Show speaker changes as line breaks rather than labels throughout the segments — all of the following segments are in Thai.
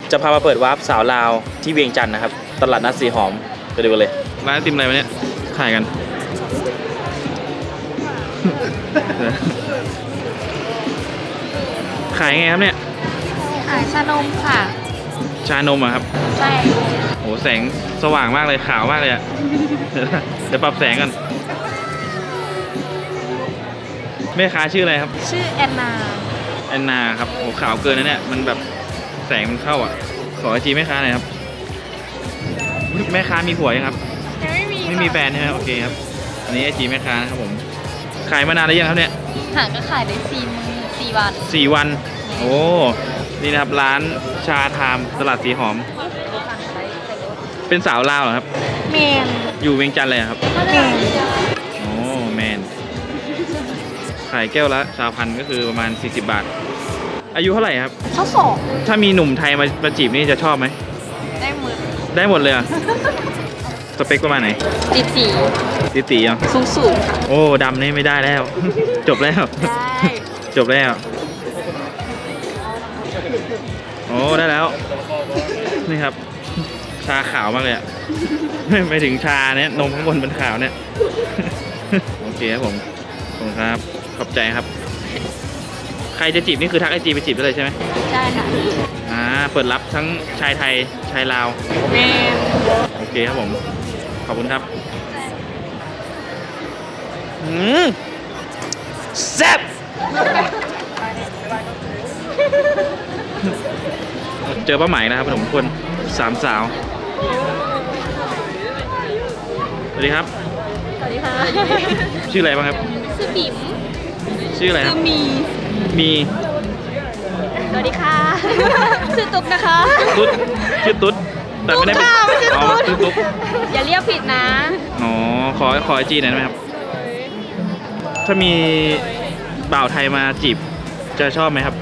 จะพามาเปิดวาร์ปสาวลาวที่เวียงจันทร์นะครับตลาดนัดสีหอมไปดูกันเลยร้านไอติมอะไรวะเนี่ยขายกัน ขายไงครับเนี่ย
ขายชานมค่ะ
ชานมอะครับ
ใช่
โหแสงสว่างมากเลยขาวมากเลยอะ เดี๋ยวปรับแสงกันแม่ค้าชื่ออะไรครับ
ชื่อแอนนา
แอนนาครับโหขาวเกินนะเนี่ยมันแบบแสงมันเข้าอ่ะขอไอจีแม่ค้าหน่อยครับแม่ค้ามีผัวยังครับ
ยัง
ไม่มีแฟนใช่ไหมโอเคครับอันนี้ไอจีแม่ค้านะครับผมขายมานานแล้วยังครับเนี่ย
หางก็ขายได้4 วัน
4 วันโอ้นี่นะครับร้านชาไทม์ตลาดสีหอมเป็นสาวลาวเหรอครับ
แมน
อยู่เวียงจันทร์เลยครับ
แมน
โอ้แมนขายแก้วละ1,000ก็คือประมาณ40 บาทอายุเท่าไหร่ครับ
ข้อสอบ
ถ้ามีหนุ่มไทยมาจีบนี่จะชอบไหม
ได้หมด
เลยอ่ะสเปคประมาณไหนตีอ่ะ
สูงค่ะ
โอ้ดำนี่ไม่ได้แล้ว จบแล้ว
ได้
จบแล้วโอ้ได้แล้วนี่ครับชาขาวมากเลยอ่ะไม่ถึงชาเนี่ยนมข้างบนเป็นขาวเนี่ย โอเคครับผมขอบคุณครับขอบใจครับใครจะจีบนี่คือทักไอจีไปจีบได้เลยใช่ไหม
ใช่ค่ะ
เปิดรับทั้งชายไทยชายลาว
แม่
โอเคครับผมขอบคุณครับแซ่บเจอป้าไหมนะครับผมคน3 สาวสวัสดีครับ
สวัสดีค่ะ
ชื่ออะไรบ้างครับ
ชื่อบิ๋ม
ชื่ออะไรครับมี
สวัสดีค่ะชื่อตุ๊กนะคะ
ตุ๊ดชื่อตุ๊ดแต่ไม่ได้เป็น
อ๋อ
ชื่อตุ๊ก
อย่าเรียกผิดนะ
อ๋อขอไอจีหน่อยได้ไหมครับถ้ามีบ่าวไทยมาจีบจะชอบไหมครับ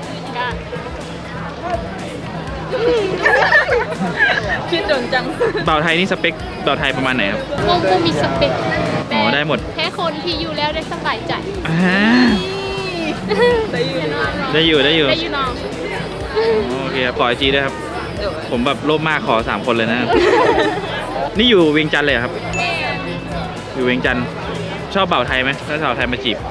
คิดโดนจัง
บ่าวไทยนี่สเปคบ่าวไทยประมาณไหนครับ
ก็มีสเปค
อ๋อได้หมด
แค่คนที่อยู่แล้วได้สบายใจ
ได้อยู่
น้อง
โอเคขอไอจีด้วยครับผมแบบโลภมากขอ3 คนเลยนะ นี่อยู่เวียงจันทร์เลยครับอยู่เวียงจันทร์ชอบบ่าวไทยไหมถ้าสาวไทยมาจีบ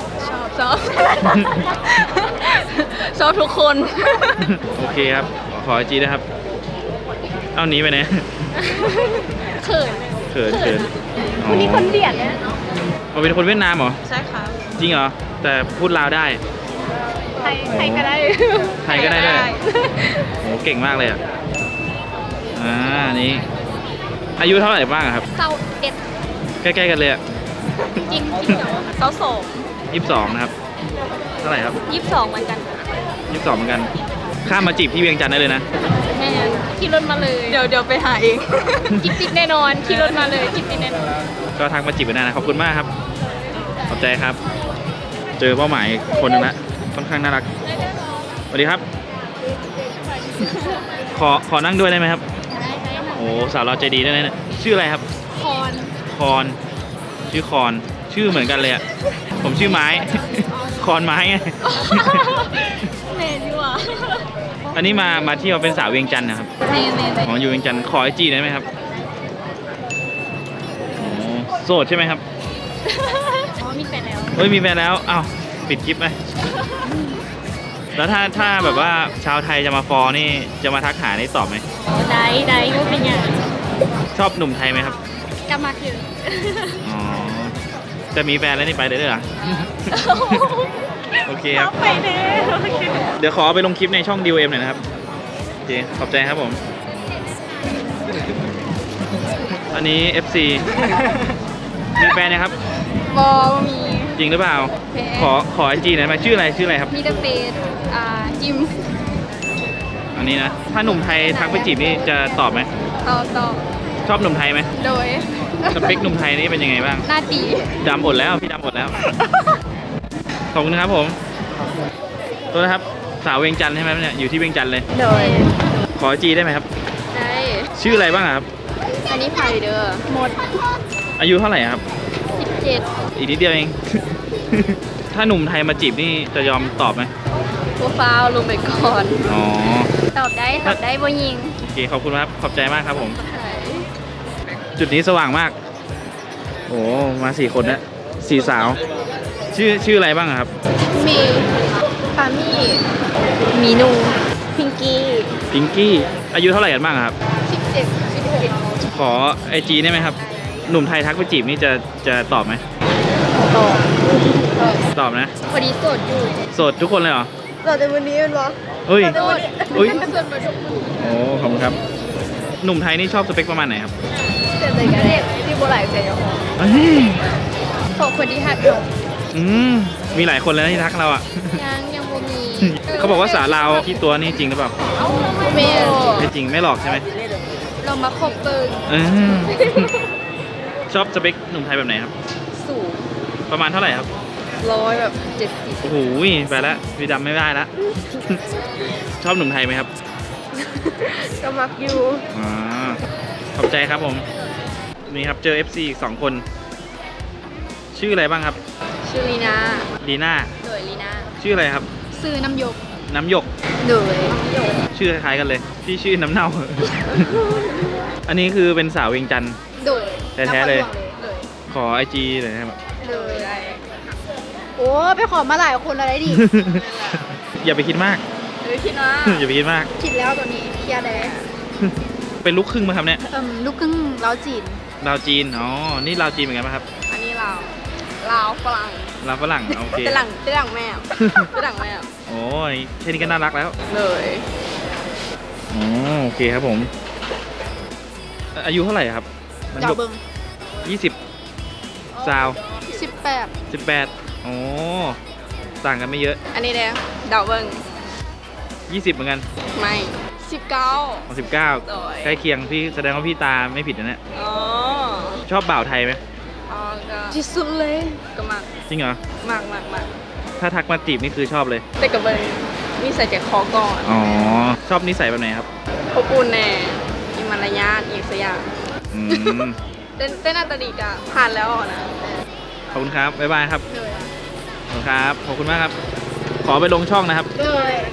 ชอบทุกคน
โอเคครับขอไอจีนะครับเอานี้ไปเนี่ย
เขินคนนี้คนเดียดเนี่ย
เราเป็นคนเวียดนามเหรอ
ใช่ค่ะ
จริงเหรอแต่พูดลาวได้
ไทยก็ได้
ด้วยโหเก่งมากเลยอ่ะนี้อายุเท่าไหร่บ้างครับ
21
ใกล้ๆกันเลยอ่ะ
จริงเหรอ
22นะครับเท่าไหร่ครับ
22เหมือนกัน
22เหมือนกันข้ามมาจีบที่เวียงจันทร์ได้เลยนะ
แม่ขี่รถมาเลยเดี๋ยวไปหาเองจิ๊บแน่นอนขี่รถมาเลยจิ๊บแน่นอน
ก็ทักมาจีบกันได้นะขอบคุณมากครับขอบใจครับเจอเป้าหมายคนนึงละค่อนข้างน่ารักสวัสดีครับขอนั่งด้วยได้ไหมครับโอ้สาวเราใจดีด้วยนะชื่ออะไรครับคอนชื่อคอนชื่อเหมือนกันเลยอ่ะผมชื่อไม้คอนไม้ไง
เน่ดีว่ะ
อันนี้มาเที่ยวเป็นสาวเวียงจันทร์นะครับอ๋ออยู่เวียงจันทร์ขอไอจีได้ไหมครับโสดใช่ไหมครับ
มีแฟนแล้ว
มีแฟนแล้วอ้าวปิดคลิปไหมแล้วถ้าแบบว่าชาวไทยจะมาฟอนี่จะมาทักหาได้ตอบไหม
ได้ก็เป็นอย่าง
ชอบหนุ่มไทยไหมครับ
กำมาคือ
อ๋อจะมีแฟนแล้วนี่ไปได้ด้วยเหรอโอเคครับ
ไปเด้
เดี๋ยวขอไปลงคลิปในช่องดิวเอ็มหน่อยนะครับโอเคขอบใจครับผมอันนี้ FC มีแฟนนะครับ
มี
จริงหรือเปล่าขอไอจีหน่อยไหมชื่ออะไรครับ
มีเดเฟสจิม
อันนี้นะถ้าหนุ่มไทยทักไปจีบนี่จะตอบไหม
ตอบ
ชอบหนุ่มไทยไหม
โดย
สเปคหนุ่มไทยนี่เป็นยังไงบ้าง
หน้าตี
ดำหมดแล้วพี่ดำหมดแล้วขอบคุณครับผมตัวนะครับสาวเวียงจันทร์ใช่ไหมเนี่ยอยู่ที่เวียงจันทร์เลย
โดย
ขอไอจีได้ไหมครับ
ได้
ชื่ออะไรบ้างครับ
อันนี้ไพเดอร์หมด
อายุเท่าไหร่ครับ
17
อีกนิดเดียวเอง ถ้าหนุ่มไทยมาจีบนี่จะยอมตอบไหม
โปรไฟล์ลงไปก่อน
อ๋อ
ตอบได้บ่ยิง
เคขอบคุณครับขอบใจมากครับผม จุดนี้สว่างมาก โอ้มา4 คนนะ4 สาว ชื่ออะไรบ้างอะครับ
มีปามี่มีนูพิงกี้
พิงกี้อายุเท่าไหร่กันบ้างอะครับ
17 16
ขอไอจีได้ไหมครับ หนุ่มไทยทักไปจีบนี่จะตอบไหม
ต่อ
ตอบนะ
พอดีโสดอยู่
โสดทุกคนเลยเหรอ
โสดในวันนี้เป็นวะ
เฮ้ย
โสด
อุ้ย
โสดมาทุกคน
โอ้ขอบคุณครับ หนุ่มไทยนี่ชอบสเปคประมาณไหนครับ
แต่ใจกันเด็กที่โบราณใจยัง
เอ้ย
ขอคนที่หัดอยู่
อืมมีหลายคนเลยนะที่ทักเราอ่ะ
ยังบ่มี
เขาบอกว่าสาวลาวที่ตัวนี่จริงหรือเปล่า
เมย์
ไม่จริงไม่หลอกใช่ไหม
เรามาคบเบิร์
เออชอบสเปคหนุ่มไทยแบบไหนครับ
สูง
ประมาณเท่าไหร่ครับ
100แบบ70
โอ้โหไปแล้วพี่ดำไม่ได้ละ ชอบหนุ่มไทยไหมครับ
ก็มักอยู่
อ่าขอบใจครับผม นี่ครับเจอ FC อีก2 คน ชื่ออะไรบ้างครับ
ชื่อลีนา
ลีน่า
โดยลีนา
ชื่ออะไรครับ
ซื้อน้ำยก
น้ำหยก
โดย
ชื่อคล้ายๆกันเลย พี่ชื่อน้ำเน่า อันนี้คือเป็นสาวเวียงจันทร์
โดย
แท้ๆเลย
โดย
ขอไอจีหน่อยนะครับ
โดยโอ้ไปขอมาหลายคนอะไรดิ
อย่าไปคิดมาก
คิดว่า
อย่าไปคิดมาก
คิดแล้วตัวนี้เคลียร์แล้ว
เป็นลูกครึ่งไหมครับเนี่ย
ลูกครึ่งลาวจีน
ลาวจีน อ๋อ นี่ลาวจีนเหมือนกันไหมครับ
อันนี้ลาวฝรั่ง
ลาวฝรั่ง โอเค
เป็นหลังแมวเป็นหลังแมว
โอ้ยแค่นี้ก็น่ารักแล้ว
เลย
อ๋อโอเคครับผม อายุเท่าไหร่ครับ
เจ้าเบิ้ง
20 ซาว
18
18โอ้ต่างกันไม่เยอะ
อันนี้แดงเดาเบิ้ง
20เหมือนกัน
ไม่19
19
โอ้ย
ใกล้เคียงพี่แสดงว่าพี่ตาไม่ผิดนะเนี่ย
อ๋อ
ชอบบ่าวไทยไหม
อ๋อก็ที่สุดเลยก็มาก
จริงเหรอ
มาก
ถ้าทักมาจีบนี่คือชอบเลย
แต่กับเบิ้งนี่ใส่ใจคอก่อน
อ๋อ ชอบนิสัยแบบไหนครับ
อบอุ่นแน่มีมารยาทอีกสักอย่าง
อืม
เต้นหน้าตาดีกะผ่านแล้วนะ
ขอบคุณครับ บ๊ายบายครับ
เลย
ขอบคุณครับ ขอบคุณมากครับ ขอไปลงช่องนะครับ
เลย